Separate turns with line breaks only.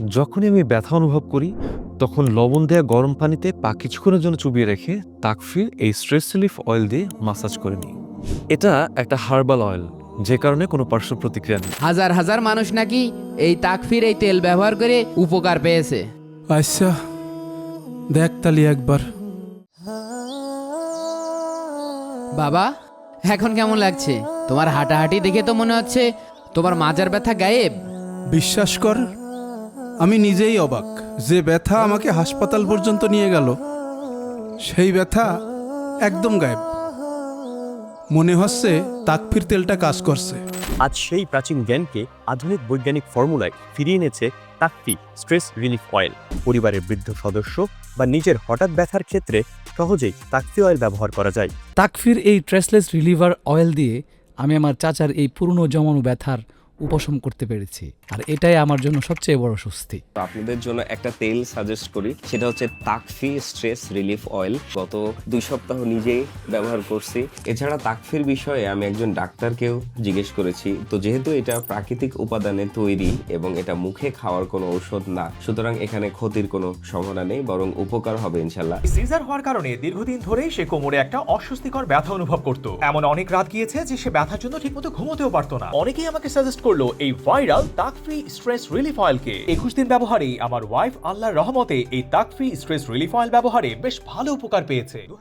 যখনই আমি ব্যথা অনুভব করি তখন লবণ দেওয়া গরম পানিতে পা কিছুক্ষণের জন্য চুবিয়ে রেখে তাকফির এই স্ট্রেস রিলিফ অয়েল দিয়ে মাসাজ করে নিই। এটা একটা হার্বাল অয়েল, যে কারণে কোনো পার্শ্ব প্রতিক্রিয়া নেই।
হাজার হাজার মানুষ নাকি এই তাকফির এই তেল ব্যবহার করে উপকার পেয়েছে।
আচ্ছা, দেখ তালি একবার।
বাবা, এখন কেমন লাগছে? তোমার হাঁটাহাঁটি দেখে তো মনে হচ্ছে তোমার মাজার ব্যথা গায়েব।
বিশ্বাস কর, আমি নিজেই অবাক যে ব্যথা আমাকে হাসপাতাল পর্যন্ত নিয়ে গেল সেই ব্যথা একদম গায়েব। মনে হচ্ছে তাকফির তেলটা কাজ করছে।
আজ সেই প্রাচীন জ্ঞানকে আধুনিক বৈজ্ঞানিক ফর্মুলায় ফিরিয়ে এনেছে তাকফি স্ট্রেস রিলিফ অয়েল। পরিবারের বৃদ্ধ সদস্য বা নিজের হঠাৎ ব্যথার ক্ষেত্রে সহজেই তাকফি অয়েল ব্যবহার করা যায়।
তাকফির এই ট্রেসলেস রিলিভার অয়েল দিয়ে আমি আমার চাচার এই পুরনো জমানো ব্যথার উপশম করতে পেরেছি, আর এটাই আমার জন্য সবচেয়ে বড় স্বস্তি।
আপনাদের জন্য একটা তেল সাজেস্ট করি, সেটা হচ্ছে তাকফি স্ট্রেস রিলিফ অয়েল। গত 2 সপ্তাহ নিজেই ব্যবহার করছি। এছাড়া তাকফির বিষয়ে আমি একজন ডাক্তারকেও জিজ্ঞেস করেছি। তো যেহেতু এটা প্রাকৃতিক উপাদানে তৈরি এবং এটা মুখে খাওয়ার কোনো ঔষধ না, সুতরাং এখানে ক্ষতির কোনো সম্ভাবনা নেই, বরং উপকার হবে ইনশাল্লাহ।
সিজার হওয়ার কারণে দীর্ঘদিন ধরেই সে কোমরে একটা অস্বস্তিকর ব্যথা অনুভব করত। এমন অনেক রাত গিয়েছে যে সে ব্যথার জন্য ঠিকমতো ঘুমোতেও পারতো না। অনেকেই আমাকে সাজেস্ট করলো এই ভাইরাল তাকফি স্ট্রেস রিলিফ অয়েলকে। 21 দিন ব্যবহারেই আমার ওয়াইফ আল্লাহর রহমতে এই তাকফি স্ট্রেস রিলিফ অয়েল ব্যবহারে বেশ ভালো উপকার পেয়েছে।